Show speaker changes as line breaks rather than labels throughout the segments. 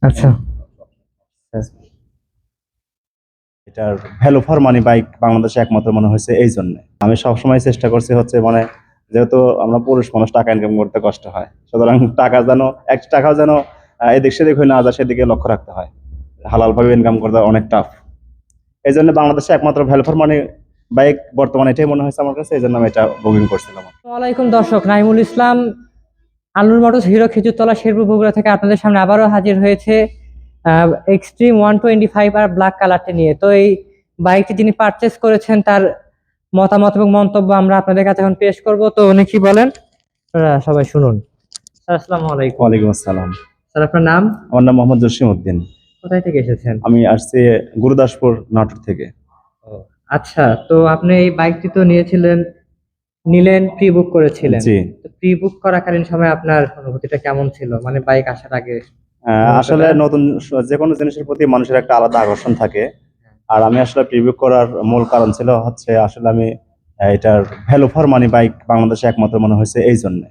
আচ্ছা।
এটার value for money bike বাংলাদেশে একমাত্র মনে হয়েছে এই জন্য। আমি সবসময় চেষ্টা করছি হচ্ছে মানে যেহেতু আমরা পুরুষ মানুষ টাকা ইনকাম করতে কষ্ট হয়, সুতরাং টাকা যেন এক টাকাও যেন এদিক সেদিক হয়ে না যায় সেদিকে লক্ষ্য রাখতে হয়। হালাল ভাবে ইনকাম করতে অনেক টাফ। এই জন্য বাংলাদেশে একমাত্র ভ্যালু ফর মানি বাইক বর্তমানে এটাই মনে হয়েছে আমার কাছে, এই জন্য আমি এটা বুকিং করছিলাম।
ওয়ালাইকুম দর্শক, নাইমুল ইসলাম আলুর মোটরস হিরো খেজুরতলা শেরপুর বগুড়া থেকে আপনাদের সামনে আবারও হাজির হয়েছে এক্সট্রিম 125 আর ব্ল্যাক কালারটি নিয়ে। তো এই বাইকটি যিনি পারচেস করেছেন তার মতামত এবং মন্তব্য আমরা আপনাদের কাছে এখন পেশ করব। তো উনি কি বলেন সবাই শুনুন। স্যার আসসালামু আলাইকুম।
ওয়ালাইকুম আসসালাম।
স্যার আপনার নাম?
আমার নাম মোহাম্মদ জসিম উদ্দিন।
কোথায় থেকে এসেছেন?
আমি আসছি গুরুদাসপুর নাটোর থেকে।
ও আচ্ছা, তো আপনি এই বাইকটি তো নিলেন প্রি বুক করেছিলেন।
জি।
তো প্রি বুক করাকালীন সময় আপনার অনুভূতিটা কেমন ছিল, মানে বাইক আসার আগে?
আসলে নতুন যে কোনো জিনিসের প্রতি মানুষের একটা আলাদা আকর্ষণ থাকে। আর আমি আসলে প্রিভিউ করার মূল কারণ ছিল হচ্ছে আসলে আমি এটার ভ্যালু ফর মানি বাইক বাংলাদেশে একমাত্র মনে হয়েছে এই জন্য।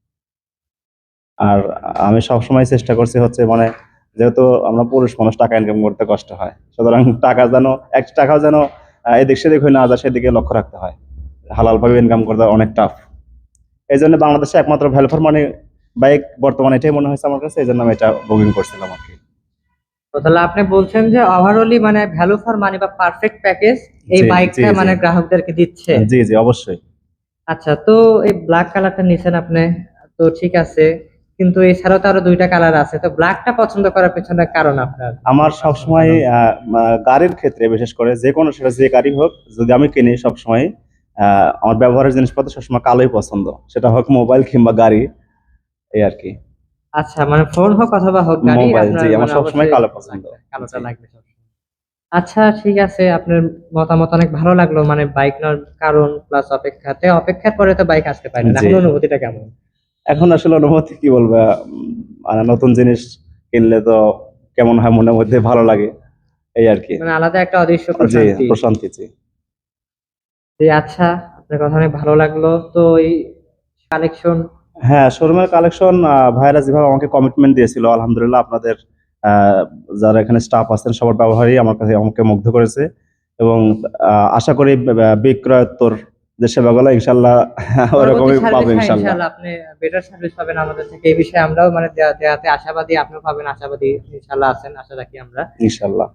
আর আমি সবসময় চেষ্টা করছি হচ্ছে মানে যেহেতু আমরা পুরুষ মানুষ টাকা ইনকাম করতে কষ্ট হয়, সুতরাং টাকা যেন এক টাকাও যেন এদিক সেদিক হয়ে না যায় সেদিকে লক্ষ্য রাখতে হয়। হালাল ভাবে ইনকাম করতে অনেক টাফ। এই জন্য বাংলাদেশে একমাত্র ভ্যালু ফর মানি বাইক বর্তমানে এটাই মনে হয়েছে আমার কাছে, এই জন্য আমি এটা বুকিং করছিলাম আর কি।
তো তাহলে আপনি বলছেন যে ওভারঅলি মানে ভ্যালু ফর মানি বা পারফেক্ট প্যাকেজ এই
জি, জি,
বাইকটা
জি।
মানে গ্রাহকদেরকে দিচ্ছে।
জি, জি, অবশ্যই।
আচ্ছা, তো এই ব্ল্যাক কালারটা নিছেন আপনি, তো ঠিক আছে, কিন্তু এছাড়াও তো আরো দুইটা কালার আছে, তো ব্ল্যাকটা পছন্দ করার পেছনে কারণ আপনার?
আমার সবসময় গাড়ির ক্ষেত্রে বিশেষ করে যে কোনো সেটা যে গাড়ি হোক যদি আমি কিনি সবসময় আমার ব্যবহারের জিনিসপত্র সবসময় কালোই পছন্দ, সেটা হোক মোবাইল কিংবা গাড়ি, এই আর কি।
আচ্ছা, মানে ফোন হোক অথবা হোক গাড়ি,
মোবাইল,
আপনার
জি, আমার
মানে
সবসময়
অবশ্যই
কালো পছন্দ।
কালোটা
জি।
লাগবে সবসময়। আচ্ছা ঠিক আছে, আপনার মতামত অনেক ভালো লাগলো, মানে বাইক নেওয়ার কারণ প্লাস অপেক্ষার পরে তো বাইক আসতে পারে না,
জি।
এখন অনুভূতিটা কেমন?
এখন আসলে অনুভূতি কি বলবো, মানে নতুন জিনিস কিনলে তো কেমন হয় মনের মধ্যে ভালো লাগে, এই আর কি।
মানে আলাদা একটা অদৃশ্য
জি,
প্রশান্তি।
প্রশান্তি, জি।
জি আচ্ছা, আপনার কথা অনেক ভালো লাগলো। তো এই কালেকশন?
হ্যাঁ, শোরুমের কালেকশন ভাইরা যেভাবে আমাকে কমিটমেন্ট দিয়েছিল, আলহামদুলিল্লাহ আপনাদের আহ, যারা এখানে স্টাফ আছেন সবার ব্যবহারই আমার কাছে আমাকে মুগ্ধ করেছে। এবং আশা করি বিক্রয়োত্তর যে সেবাগুলো ইনশাল্লাহ
পরবর্তী
ওরকমই পাবো
সার্ভিস, হ্যাঁ
ইনশাল্লাহ।
ইনশাআল্লাহ আপনি বেটার সার্ভিস পাবেন আমাদের থেকে, এই বিষয়ে আমরাও মানে দেয়াতে আশাবাদী, আপনিও পাবেন আশাবাদী ইনশাআল্লাহ আছেন, আশা রাখি আমরা।
ইনশাল্লাহ।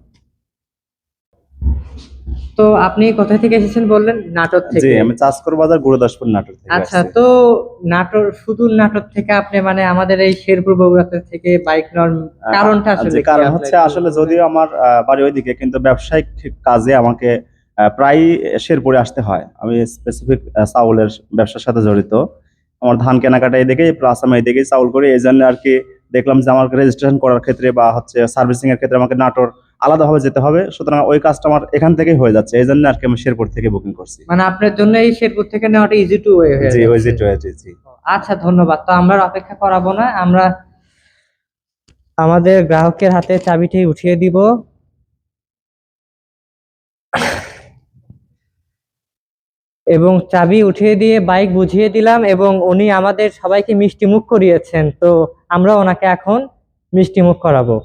তো আপনি কোথা থেকে এসেছেন বললেন? নাটোর
জি,
থেকে।
আমি চাঁদপুর বাজার গুরুদাসপুর নাটোর থেকে
আচ্ছা,
আসছি।
তো নাটোর, সুদূর নাটোর থেকে আপনি মানে আমাদের এই শেরপুর বগুড়া থেকে বাইক নেওয়ার কারণটা আসলে
যে
কি
কারণ
আপনার
হচ্ছে
একটু
আসলে
বলবেন?
যদিও আমার বাড়ি ওইদিকে, কিন্তু ব্যবসায়িক কাজে আমাকে প্রায় শেরপুরে আসতে হয়। আমি স্পেসিফিক চাউলের ব্যবসার সাথে জড়িত। আমার ধান কেনাকাটা এদিকে প্লাস আমি এদিকেই চাউল করি, এই জন্য আর কি দেখলাম যে আমার রেজিস্ট্রেশন করার ক্ষেত্রে বা হচ্ছে সার্ভিসিং এর ক্ষেত্রে আমাকে নাটোর আলাদাভাবে যেতে হবে, সুতরাং ওই কাজটা আমার এখান থেকেই হয়ে যাচ্ছে, এই জন্য আর কি আমি শেরপুর থেকে বুকিং করছি।
মানে আপনার জন্য এই শেরপুর থেকে নেওয়াটা ইজি টু ওয়ে হয়ে
জি, ওই
যাচ্ছে।
জি, জি।
আচ্ছা ধন্যবাদ। তো আমরা আর অপেক্ষা করাবো না, আমরা আমাদের গ্রাহকের হাতে চাবিটি উঠিয়ে দিব এবং চাবি উঠিয়ে দিয়ে বাইক বুঝিয়ে দিলাম এবং উনি আমাদের সবাইকে মিষ্টি মুখ করিয়েছেন। তো আমরা ওনাকে এখন মিষ্টি মুখ করাবো।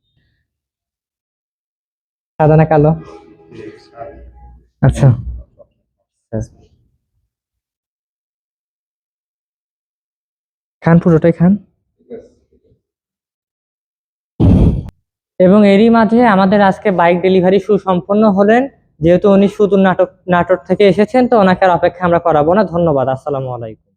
সাদা না কালো? আচ্ছা, খান, পুরোটাই খান। এবং এরই মাঝে আমাদের আজকে বাইক ডেলিভারি সুসম্পন্ন হলেন। যেহেতু উনি শুধু নাটোর থেকে এসেছেন, তো ওনাকে আর অপেক্ষা আমরা করাবো না। ধন্যবাদ। আসসালামু আলাইকুম।